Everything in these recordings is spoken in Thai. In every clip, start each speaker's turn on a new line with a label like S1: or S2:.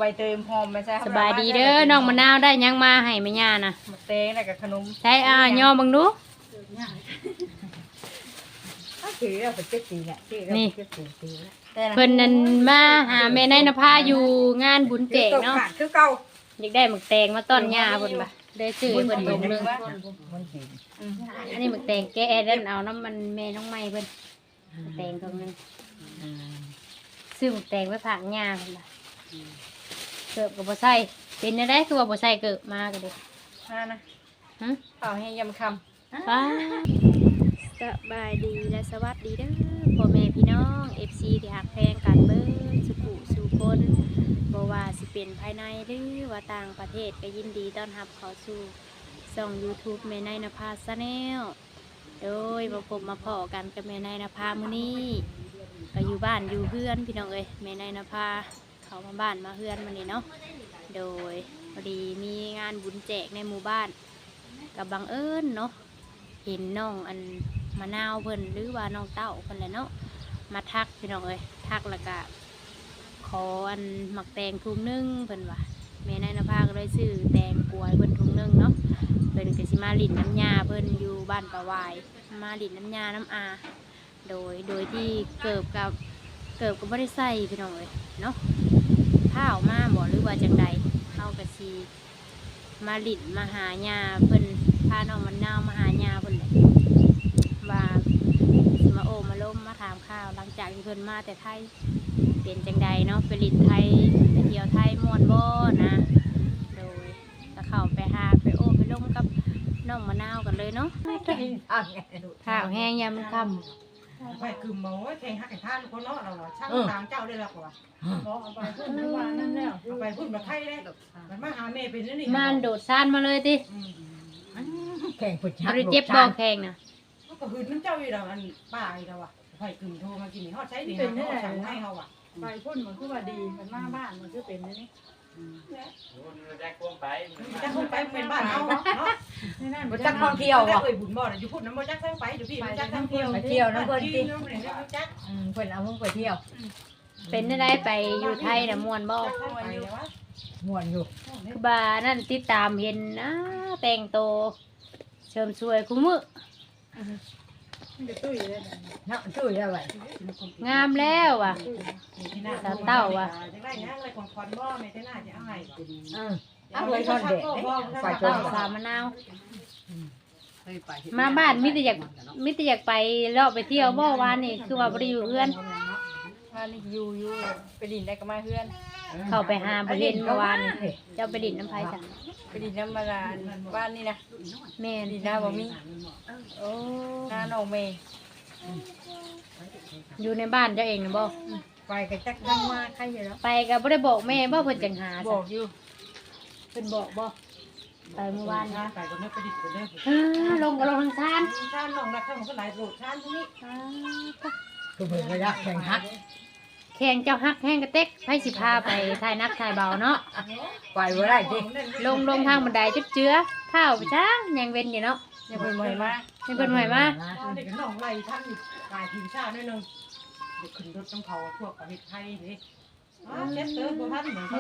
S1: เตยหอมไม่ใช่
S2: สบายดีเด้อน้องมะนาวได้ยังมาให้แม่ย่านะ
S1: หมกแตงแล้วกับขนม
S2: ใช้ย่อบังดู
S3: ถือเราไปเจ็ดปีเนี่ยถือเราไปเจ็ดปีแล้ว
S2: เพิ่นนั่นมาหาแม่นายนภาอยู่งานบุญแจกเนาะ
S3: คือเก่า
S2: อยากได้หมึกแตงมาต้อนย่าเพิ่นบ่ได้ซื้อให้เพิ่นถุงนึง
S3: มันจีน
S2: อันนี้หมึกแตงแกะนั่นเอาน้ำมันแม่น้องไม้เพิ่นหมึกแตงตรงนึงซื้อหมึกแตงไว้ฝากย่าเพิ่นบ่เกิบก็บ่ใส่เป็นจังได๋คือว่าบ่ใส่เกิบมาก็เด้
S1: นะ
S2: ฮะ
S1: เป่าให้ยำค
S2: ป้าสบายดีและสวัสดีเด้อพ่อแม่พี่น้อง FC ที่ฮักแพงกันเบิ่งสุขุสู่คนบ่ว่าสิเป็นภายในหรือว่าต่างประเทศก็ยินดีต้อนรับเข้าสู่ช่อง YouTube แม่นายนภา Channel โดยมาพบมาพ้อกันกับแม่นายนภามื้อนี้ก็อยู่บ้านอยู่เฮือนพี่น้องเอ้ยแม่นายนภาเข้ามาบ้านมาเฮือนมื้อนี้เนาะโดยพอดีมีงานบุญแจกในหมู่บ้านกับบังเอิญเนาะเห็นน้องอันมะนาวเพิ่นหรือว่าน้องเต้าเพิ่นแหละเนาะมาทักพี่น้องเอ้ยทักแล้วก็ขออันหมักแตงถุงนึงเพิ่นว่าแม่นายนภาก็เลยซื้อแตงกวยเพิ่นถุงนึงเนาะเพิ่นก็สิมาลิ้นน้ำยาเพิ่นอยู่บ้านปะวายมาลิ้นน้ำยาน้ำอาโดยที่เกิบก็บ่ได้ใส่พี่น้องเอ้ยเนาะข้าวมาบ่หรือว่าจังใดเฮาก็สิมาลิ้นมาหาญาเพิ่นพาน้องมะนาวมาหาญาเพิ่นแหละว่าสิมาโอมาล้มมาถามข้าวหลังจากที่เพิ่นมาแต่ไทยเป็นจังใดเนาะไปลิ้นไทยไปเที่ยวไทยม่วนบ่นะโดยก็เข้าไปหาไปโอไปล้มกับน้องมะนาวกันเลยเนาะข้าวแห้งยามมันค่ำ
S4: ไปคือหมอแทงหักไอ้ท่านคนเนาะเราช่างตามเจ้าได้แล้วกว่า
S3: เอาไปพูดทุกวันนั่นแล้ว
S4: เอาไปพูดมาไทยได้มันมาหาแม่เป็นนี่
S2: มันโดดซ่านมาเลยติ
S3: แข่งผู้ชา
S2: บ่
S3: ย
S2: ได้เจ็บบ่แข้งน่ะ
S4: ก็หืนน้ำเจ้าอยู่แล้วอันป้าอีกแล้วอ่ะไปกึ่มโทรมากินนี่ฮอดใช้ดีนะเขาสั่งให้เขาอ่ะ
S3: ไปพูดเหมือนคือว่าดีมันมาบ้านมันคือเป็นนี่
S4: จะคงไปเป็นบ้านเขาเนาะ
S3: นี่นั่นมันจักท่องเที่ยวอ่ะ
S4: เคยบุญบ่อยู่พูดน้ำมันจักไปอยู่พี่จักท่องเที่ยว
S3: ไปเที่ยวนะเพิ่น
S4: ที่
S3: สิ
S4: น้ำมันจัก
S3: เพิ่นเอามึงไปเที่ยว
S2: เป็นได้ไปอยู่ไทยน่ะม่วนบ่
S4: ไปเลยวะ
S3: ม่วนอยู่
S2: คือบานั่นติดตามเห็นนะแต่งโตวเชิมสวยคุ้มือ
S3: มันจะตุ้ยเลยเนาะตุ้ยแล้วไว้
S2: งามแล้วว่ะ
S4: จะได้ยังอะไรของคอนบ่ไม่ได้น่าจะเอาให้
S3: เอาไว้ทอดเด็ดไปจ
S2: เต้าน สามมะนาวมาบ้านมิตรอยากไปเลาะไปเที่ยวบ่วานนี่คือว่าบ่ได้อยู่เพื่อน
S1: ว่านี่อยู่ไปดินได้ก็มาเพื่อน
S2: เข้าไปหาบ่เห็นเมื่อวานนี่เจ้าไปดินน้ำไผจ้ะ
S1: ไปดินน้ำมาลานบ้านนี่นะ
S2: แม่น
S1: ดินหน้าบ่มี
S2: โอ้
S1: หน้าน้องเมย์
S2: อยู่ในบ้านเจ้าเองน่ะบ่
S3: ไปก็จักนั่งมาใครอยู่แล้ว
S2: ไปก็บ่ได้บอกแม่บ่เพิ่นจังหา
S1: บ
S2: จ้ะ
S1: อกอยู่
S2: เพิ่นบอกบ่ไปเมื่อวาน
S4: นะไปก็ไม่ไปดิบกันเด้อ
S2: ลงก็ลงทางซาน
S4: ชาน้องรักข้างมันก็หลายโหลดชาที่นี่
S3: คือเพิ่นก็อยากแข่งฮัก
S2: แข่งเจ้าฮักแห้งกระเต็กไผสิพาไปถ่ายนักถ่ายเบาเนาะ
S3: ไปบ่ได้สิ
S2: ลงทางบันไดจุดเจือข้าวไปจ้างยังเว้นอยู่เนาะ
S1: ยังเป็นมวยมาก
S2: ยังเพิ่นใหม่มา
S4: เด็กน้องไล่ท่านกายทีมชาตินิดนึงเด็กขึ้นรถต้องเขาพวกประเทศไทยนี่เช็ดเตอร์บัวท่านเหมือน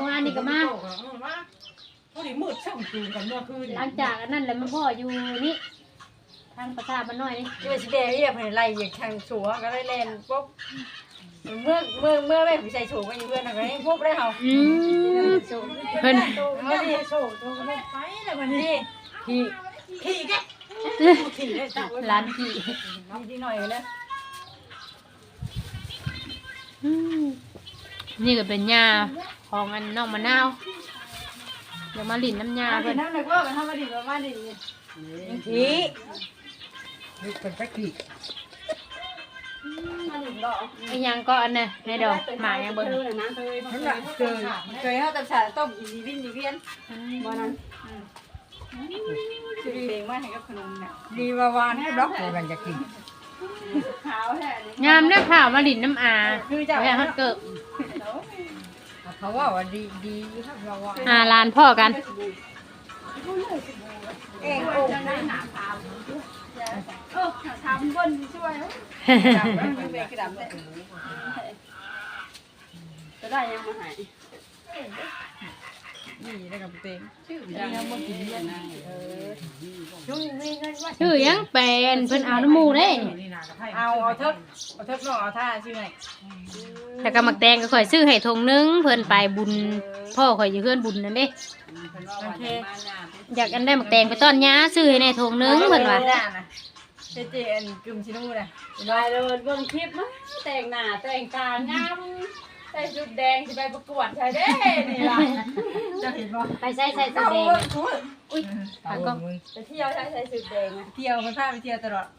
S4: เขาดิมืดช่างจูงกันเมื่อคืน
S2: หลังจากอันนั้นแหละมันพ่ออยู่นี่ทางประสาทมันน้อยนี่
S1: ที่เป็นสีแดงที่แบบไล่อย่างทางสัวก็ได้เล่นปุ๊บเมื่อแม่ผู้ชายโฉก็อยู่เพื่อนอะไรปุ๊บได้เหรอ
S2: เพิ่น
S1: เอาดิโฉตัวก็ไม่ไปเลยวันนี้ขี่แกขี่ได้จ้ะ
S2: ร้านขี่
S1: ดีหน่อยเลย
S2: นี่ก็เป็นยาของอันน้องมะนาวเดี๋ยวมาหลินน้ำยา
S1: เป็
S2: เพิ่
S1: น
S2: น
S1: น้ำหนักว่าเป็นธรรมดาประมาณนี้
S3: ทีนี่เป็นจักกี่
S1: มาถึงดอก
S2: ไอ้ยังก็อันน่ะในดอกหมายังเบิ่ง
S3: นั่นแหละ
S1: เคยเขาตำสาต้มอีวีนอีเวียนวันนั้นคือเพลงมาให้กับขนมเนี่ย
S3: ดีว่าวานให้ดอกกันจะกิน
S1: ขาวแท้
S2: งามเด้อข่าวมาหลินน้ำอาไว้ฮักเกิบ
S3: เขาว่าว่าดีถ้าเราว่า
S2: ลานพ่อกัน
S1: เองโอ้ยหนาขาวทำบนช่วยจับไม่เป็นกระดำเลยจะได้ยังมาหายนี่ได้กับเต็ง
S3: ชื่อยังบ่กินเลยนะช่วงนี้เงินว่า
S2: ชื่อยังเป็นเพิ่นเอาน้ำหมูเด้
S1: เอาเทิบน้องเอาท่าชื่อไง
S2: แล้วก็มักแตงก็ข่อยซื้อให้ทงนึงเพิ่นไปบุญพ่อข่อยอยู่เฮือนบุญนั่นเด้
S1: โอเค
S2: อยากอันได้มักแตงไปต้อนย้าซื้อให้ในทงนึงเพิ่นว่า
S1: เจนกึมชินูนะ
S3: ลายเลยเบิ่งคลิปมั้ยแต่งหน้าแต่งตางามใส่ชุดแดงสิไปประกวดใช่เด้นี่ล่ะ
S1: จะเห็นป่ะ
S2: ไปใส่ใส่สีแดง
S1: อุ้ย
S2: หาก็
S3: ไปเที่ยวใช้ชุดแดงอ่ะ
S1: เที่ยวมันพาไปเที่ยวตลอด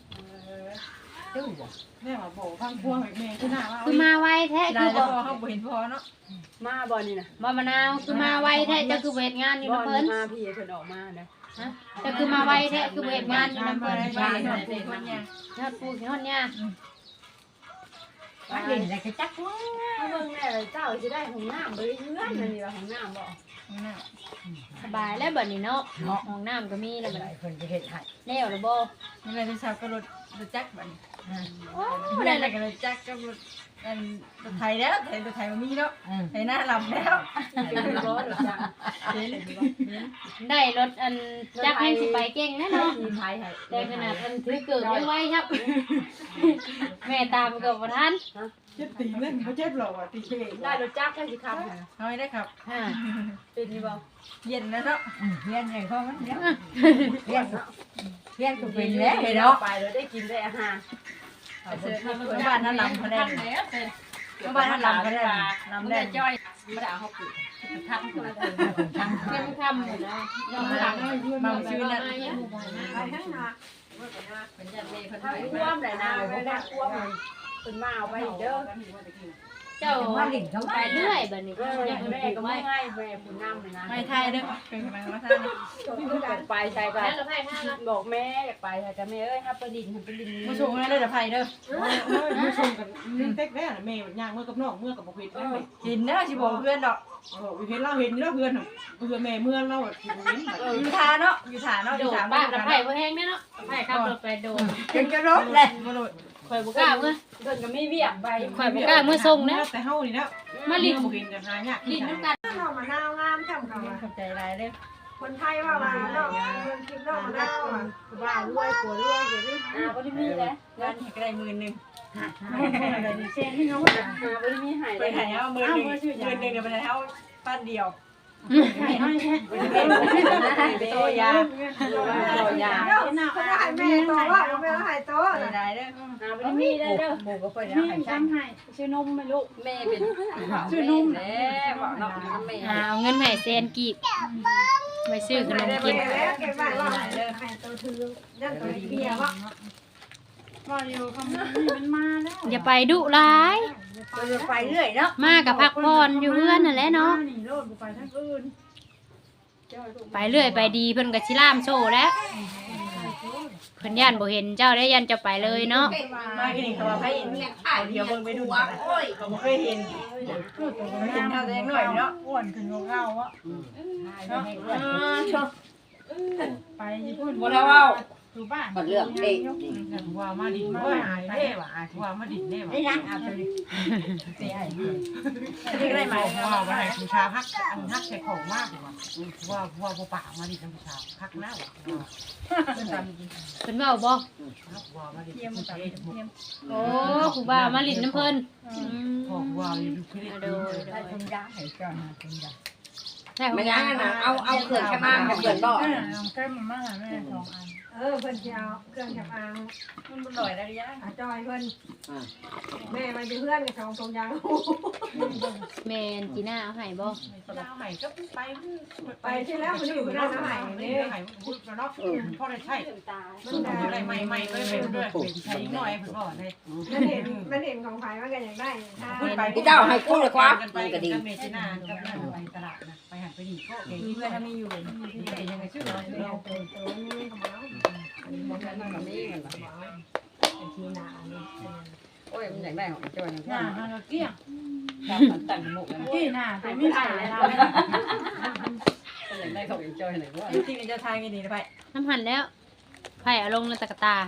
S4: แม่มาบอกพังพวงแม่ที่หน้าว่า
S2: คือมาไวแท้
S1: ได้
S2: คือ
S1: แล้
S2: บ่
S1: วพอเขาเห็นพอเนาะ
S3: มาบ่นี่น่ะ
S2: บ่มะนาวคือมาไวแท้เจ้าคือบ่เฮ็ดงานอยู่
S3: บ่
S2: นำเพิ่น
S3: มาพี่เพิ่นออกมานะ
S2: ฮะเจ้าคือมาไวแท้คือบ่เฮ็ดงานอยู่นำเพิ่น
S1: ไปหน่อยสิคนยัง
S2: ยอดปูยอดหญ้า
S3: ว่าเห็นแล้วก็จักว่าเบิ่งแน่เจ้าสิได้ห้องน้ำบ่ได้เฮือนนั่นนี่ว่าห้องน้ำบ่
S2: สบายแล้วบัดนี้เนาะห้องน้ำก็มีแล้วบัด
S4: หลา
S2: นี้
S4: ยคนจะเห็นให้
S2: แล้วล่ะบ่
S1: นี่เลยที่ชาวก็รถจักรบัน
S2: โอ้
S1: ไม่
S2: ได้
S1: ได้
S2: แล้ว
S1: เลยจักรก็รถไทยแล้วไทยมันมีแล้วไทยหน้าลำแล้ว
S3: เป็นร้อนหรือจัง
S2: ได้รถอันจักรให้สิไปเก่งแน่เนาะ
S3: มีไทยให้
S2: แต่ขนาดอันถือเกิดยังไว้ครับ แม่ตามเกือบบ่ทัน
S4: เจ็บตีเล่นเขาเจ็บหรอวะตีเช่
S3: ได้รถจักรให้สิครับ
S1: น้อยได้ครับ
S2: ฮ่า
S3: เป็นนี่บ่
S1: เย็นแล้วเนาะ
S4: เพี้ยนไงพ่อมันเนาะ
S3: เรียน
S4: เพี้ยนก็
S3: เป็
S4: เป็น น
S3: แล้
S4: แล้ว ว
S3: เนาะไปแล้วได้กินได้อาหาร
S1: บ้านนั่นลำเขาได้บ้านนั่นลำเขาได้ลำได้
S3: จ้อยบ่ได้เอาเฮาปลูกทักคนละ
S2: เข้มค่ำหมดแล้วยอมหลัง
S1: มาซื้อนั่น
S3: ไปทั้งนาเป็นจังเลยเพิ่นไปท่วมได้นาบ่ได้ท่วมเพิ่นมาเอาไปเด้อ
S2: เจ้าไปเรื่อยบัดนี้
S3: ยังแม่ก็ไม่ให้แม่ผู้นำเลยนะ
S1: ไม่ไทยเด้อเป็นกำลังมาไทย
S3: ไปใช่ป่ะ
S2: แล้วเราไปห้าละ
S3: บอกแม่อยากไปแต่แม่เอ้ยถ้าไปดินไปดิน
S1: มาชงแล้วเด้อไทยเด้อ
S4: มือชมกันเต็กแน่แม่ย่างเมื่อกับน้องเมื่อกับบุพเพแม่
S1: กินเด้อชิบอกเพื่อนดอก
S4: เห็นเราเห็นแล้วเพื่อนเพื่อนแม่เมื่อเราเห็น
S1: อยู่ฐานเนาะอยู่ฐานเนาะอ
S2: โด
S1: ยู่
S2: ด
S1: ฐาน
S2: บ้า
S1: บ้าน
S2: กับไผ่บ่แห้งแน่เนาะไผ่ขับรถไปโดด
S1: เป็นกระรบเลยมาโดด
S2: ข่อยบ่กล้าเมื่อ
S3: เดินก็ไม่เวียกไป
S2: ข่อยบ่กล้าเมื่อส่งนะ
S4: แต่เฮานี่แล้ว
S2: มาลิ้น
S4: บุเห็นกันหายาก
S2: ลิ้นน้ำกัน
S5: น้องมะนาวงามช่ำเขาอะ
S1: ขอบใจหลายเด้อ
S5: คนไทยว่าน้องเมืองคิดน้องมะนาวอะ
S3: บ้านรวยผัวรวยอย่างนี้บ่ได้มีแล้ว
S1: เงินก็ได้10,000
S3: อะไรนี่เส้นที่เขาบ่ได้มีให้
S1: ไปไหนเอา10,000 10,000เดี๋ยวไปไหนเอาปั้นเดียว
S3: เป็นตัวยาตัวยา
S5: คนละหายแม่โตว่าแม่ละหายโต
S1: ได้เด้อ
S3: บ่ได้มีได้เด้อ
S1: หมูก็ค่อยได้ให้ใช้
S3: ชื่อนมไหมลูกแม่เป็นชื่อนมแล้วบอกน้องแม่
S2: เอาเงินให้แสนกีบไว้ซื้อขนมกิน
S5: แล้วเก็บไว้ว่าหายโตถือนั่นตัวเบียร์ว่า
S2: อย่าไปดุร้าย
S1: ไปเรื่อยเนาะ
S2: มากับพักผ่อนอยู่เพื่อนนั่นแหละเนาะไปเรื่อยไปดีเพิ่นก็สิล่ามโซ่แล้วเพิ่นย่านบ่เห็นเจ้าได้ย่านเจ้าไปเลยเนาะ
S1: มากินเขาว่าให้เอาเดียวเบิ่งไปดูกันเขาบ่เคยเห็นเห็นเขาแต่ยังน้อยเนาะอ้วนขึ้นกว่าเก่าอ่ะเนาะไปญี่ปุ่น
S3: บ่ได้เว้า
S1: อยู่บ้าน
S3: บ่เรื่องเอง
S4: ว่ามาดินว่าหายแน่ว่ะว่ามาดินแน่ว่ะ
S1: นี่นะเอาไปดิเสียให้นี่ก็ได้ไหม
S4: ว่าว่าให้ผู้ชายฮักอันฮักใส่ของมากว่ะว่าบ่ปากมาดินผู้ชายฮักหน้าว่ะ
S1: เพิ่นทำจริง
S2: เพิ่นเว้าบ่
S4: ว่ามาดิน
S1: เทียม
S4: ผู้
S1: ตั
S4: ชา
S1: ด
S4: ย
S1: เทียม
S2: โอ้ครูบามาลิ้นน้ำเพิ่น
S4: ของว่าอยู่คือ
S2: โดย
S1: ได้คนยาให้จอนหาคนยา
S2: ได้ของ
S3: ไม่
S2: ยา
S3: ยังนะเอาเขื่อนข้างหน้ากับเขื่อนบ่
S1: แก้มมาแม่2อัน
S5: เพิ่นจะเอาเครื่องจับอาง
S1: มันบ่ลอยได้ยัง
S5: จอยเพิ่นแม่มันเป็นเพื่อนกับทองยาง
S2: แม่นจีน่าเอาให้บ่
S4: เราใหม่ก็ไป
S5: ไปที่แล้วมันอยู่ด้านไหน
S4: นี่
S5: นี่
S4: ใหม่เนาะพ่อได้ใช่
S3: ตา
S4: มันอะไรใหม่ใหม่ไปเป็นด้วยเป็นใช้หน่อยผมบอกเลย
S5: มันเห็นของไผ่ว่ากันอย่างได้ถ้า
S3: พี่เจ้าให้กู้เลยครับ
S4: กันไปกับเมจินากับไปตลาดนะไปหันไปดีก็เก่ง
S1: มีเพื่อนมีอยู่
S4: ยังไงชื่อเรา
S5: เราตัวนี้ของเรา ทีหนานี่
S3: โอ้ยมันอยากได้ของจอยอย่าง
S1: หน้ามันก็เกี้ยง
S3: ตั้งหมก
S1: กี้หน้าแต่ไม่ถ่ายเรา
S3: อยากได้ของจอยไหนว่า
S1: จริงๆจะทายกันดีนะไป
S2: น้ำหันแล้วไผ่เอาลงในตะกะตา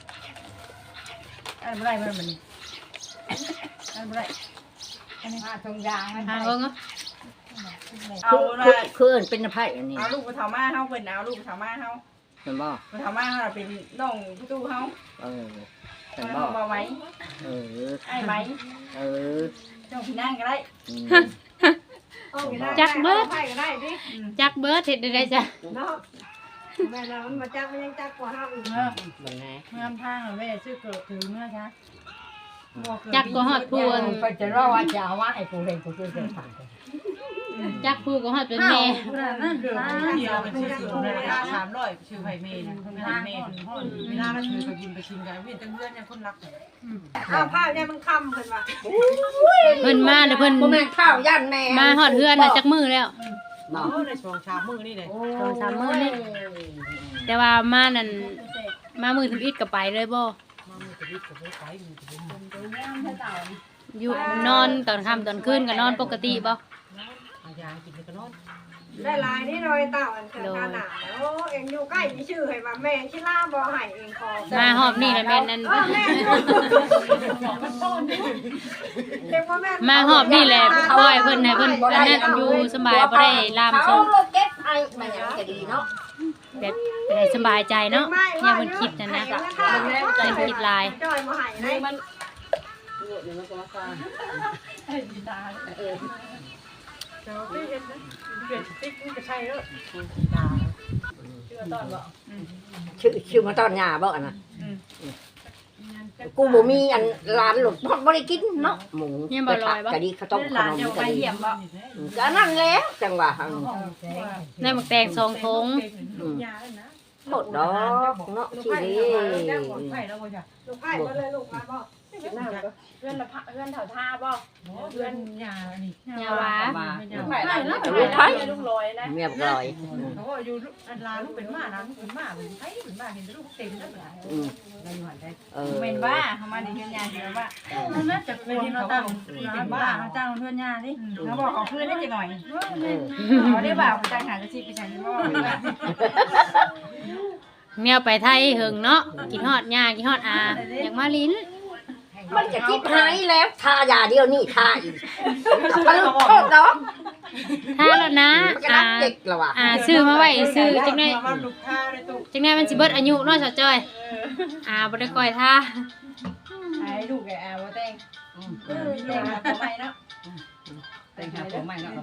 S1: อันบ่ได้มันอันบ่ได้
S3: อันนี้ทงยางมัน
S2: หาเบิ่งเนาะ
S1: เอาว่า
S6: คือเอิ้นเป็นไผอันนี้
S1: เอาลูกไปเฒ่ามาเฮาเพิ่นเอาลูกไปเฒ่ามาเฮา
S6: เห็นบ่
S1: ไปเฒ่ามาเฮาเป็นน้องพี่ตู้เฮา
S6: เออเห็น
S1: บ่
S6: บ่
S1: บ่ไหม
S6: เออ
S1: ไอ้ไหม
S6: เออ
S1: เจ้าพี่นั่งก็ได้
S6: อืม
S2: จักเบิด
S5: ไปก็ได้ดิ
S2: จักเบิดเฮ็ดได้จ้ะ
S5: เนาะแม่เรามันมาจักมันยังจักกว่าเฮาอีก
S1: เออ
S6: บังไง
S1: เมื่อทางอะแม่ซื้อเกิดถือเมื่อช้า
S2: จักก็ฮอดพูน
S6: ไปจะรอว่าจะเอาว่าให้ผู้เรียนผู้ช่วยเดินผ่าน
S2: จักพูก็ฮอดเป็นแม่
S1: นั่นเดือด
S4: เดียวเป็นชื่อในราคา300ชื่อไผเมย์นะไผเมย์เวลาเราถือไปบุญไปชิมกันเวียนจังเพื่อนยังคนรักเลย
S5: อ้าวผ้าเนี่ยมันค่ำเพิ่นว่า
S2: เพิ่นมาแล้วเพิ่น
S6: บ่แม่นข้าวย่านแม่
S2: มาฮอดเฮือนน่ะจักมื้อแล้ว
S6: เนาะ
S4: ในช่วงเช้ามื้อนี่เลย
S2: 2-3 มื้อนี่แต่ว่ามานั่นมามื้อถึงอิดก็ไปเลยบ่
S4: มามือจะรีบกับไปมือจะรีบ
S2: อยู่นอนตอนค่ำตอนคืนก็นอนปกติบ่
S4: อาญากินก็นอน
S5: ได้ลายนี่หน่อยเต่าอันเกิดการหนาโอ้เอ็งอยู่ใกล้มีชื่อให้ว่าแม่ชิล่าบ่ให้เองพอ
S2: มาหอบนี่แหละแม่นนั่น
S5: แม่เด็กว่าแม่
S2: มาหอบนี่แหละปล่อยเพิ่นให้เพิ่นอันนั้นอยู่สบายบ่ได้ลามส่ง
S6: เก็บไอ้มันยังจะดีเนาะ
S2: แบบได้สบายใจเนาะอย่าเพิ่นคิดนั่นนะอย่าคิดหลาย
S5: จอยบ่ให้ได้มัน
S4: เจ้าพี่เห็นนะเปลี่ยนติ๊กนี่ก็ใช่แล้วดา
S6: ชื่อมาตอนหญ้าบ่อันน่ะกูบ่มีอันร้านหลบบ่ได้กินเนาะหมูกะดีข้าวต้มข
S1: หลาน
S6: นม
S1: เจ้าก
S6: ะ
S1: ไป
S6: ดี
S1: เยี่ยมบ่
S6: ก็นั่นแล้วจังหวะ
S2: ได้หมักแตง2ถุง
S6: หมดดอกเนาะสิเด้
S4: ไผ่แล้วบ่จ้ะ
S5: ลูกไผ่บ่เลยลูกมาบ่
S3: เพื่อนละพะเพื่อนแถวท่าบ่
S4: เพื่อนยานี่
S2: ยาวา
S3: ลูกไผ่ละลูกลอยนะ
S6: เมียบลอย
S4: เขาก็อยู่อันลาลูกเป็นม้านะลูกเป็นม้าเป็นไผ่เป็นม้าเห็นลูกเต็มแล้วล่ะ
S6: อืม
S4: ได้อยู่หันได้
S6: เออ
S1: เมนบ้าเขามาในเฮือนยาเดี๋ยวว่านั่นน่าจะควรเราตั้งเป็นบ้าเขาจ้างเฮือนยาดิเขาบอกเขาเพื่อนได้จะหน่อยเขาได้บ่าวจ้างหากระชิบไปใส่ที่ว่า
S2: เมียไปไทยเหิงเนาะกินฮอดย่ากินฮอดอาอยากมาลิ้น
S6: มันจะคิดหายแล้วทายาเดียวนี่ทาอีกก็ลูกโทษดอก
S2: ถ้าแล้วนะ
S6: มันก็รักเด็กแล้วว่ะ
S2: ซื้อมาไว้ซื้อจังได๋
S4: ว่าลูกค้าในตู้
S2: จังได๋มันสิเบิดอายุเนาะสาวจ้อยบ่ได้ก่อยท่า
S1: ไอ้ลูกไอ้อาว่าแต่งแต่งมาทำไมเนาะ
S4: แต่งหาผมใหม่เนาะ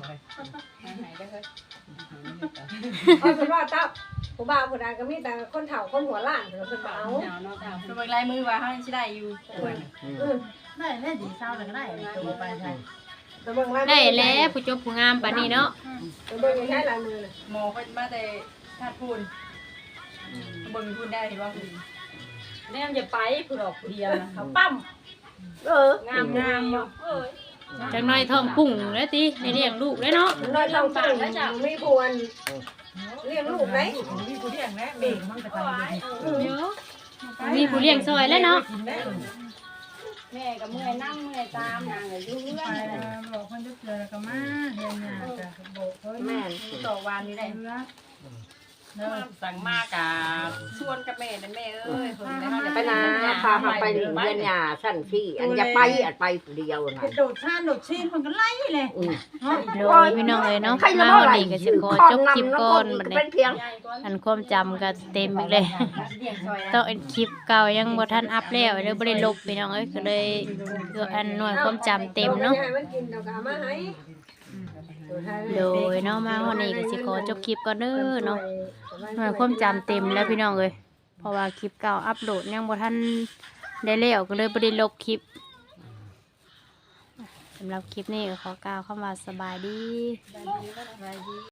S5: เอาเป็นว่าเต้าผู้บ่าวผู้ใดก็มีแต่คนเฒ่าคนหัวล้านเพิ่นบ่เอา
S1: ตัวเบิ่งลายมือว่าเขาสิได้อยู่
S4: ได้แน่ดีเศร้าเลยก็ได้ตัวไปใช่
S5: แต่เบิ่งลาย
S2: ได้แล้วผู้จบผู้งามปานนี้เนาะ
S5: แต่เบิ่งยังใช้ลายมือน่ะ
S1: หมอเขามาแต่ธาตุพูนเบิ่งพูนได้เห็นว่าคุณ
S3: แม่จะไปผู้ดอกเดียวนะเขาปั้ม
S6: เออง
S3: ามงามอยู่
S2: จังน้อยท้องปุ่งแล้วติได้เลี้ยงลูกแล้วเนาะ
S5: น้อยต้องปากแล้วจ้ะมีพวนเลี้ยงลูกไหน
S4: ผมมีผู้เลี้ยงแล้วเบ่งมันก็ไป
S2: เดี๋ยวมีผู้เลี้ยงซอยแล้วเนาะ
S3: แม่ก็เมื่อยนั่งเมื่อยตามนางก็อยู่เรื่อ
S1: ไป
S3: ย
S1: บอกคนจะเจอแล้วก็มาเรียนงานจะบอกเขา
S6: แม่น
S1: ต่อวันนี้ได้เพื่อ
S3: สั่งมากะชวนกับแม่นั่นแม่เอ้ยเพิ่นได้เฮาจะ
S6: ไปนะพาเขาไปเรียนหญ้าสั้นที่อันจะไปอันไปผู้เดียวน่ะ
S1: โดดชาโดดชีนมันก็ไล่เลย
S6: อืม
S2: โดยพี่น้องเอ้ยเนาะ
S6: ใคร
S2: มา
S6: ละ
S2: วัน
S6: บ่ไหล
S2: นี้ก็สิขอจบคลิปก่อนบัดนี้
S6: เป็นเพียง
S2: อันความจำก็เต็มอีกเลยต้องอันคลิปเก่ายังบ่ทันอัพแล้วเลยบ่ได้ลบพี่น้องเอ้ยก็เลยคืออันหน่วยความจำเต็มเนาะ
S5: ให้มันกินเดี๋ยวก็เอามาให้
S2: โดยเนาะมาวันนี้ก็สิขอจบคลิปก่อนเด้อเนาะหน่วยความจำเต็มแล้วพี่น้องเอ้ยเพราะว่าคลิปเก่าอัปโหลดยังบ่ทันได้แล้วก็เลยบ่ได้ลบคลิปสำหรับคลิปนี้ก็ขอกล่าวคำว่าสบายดี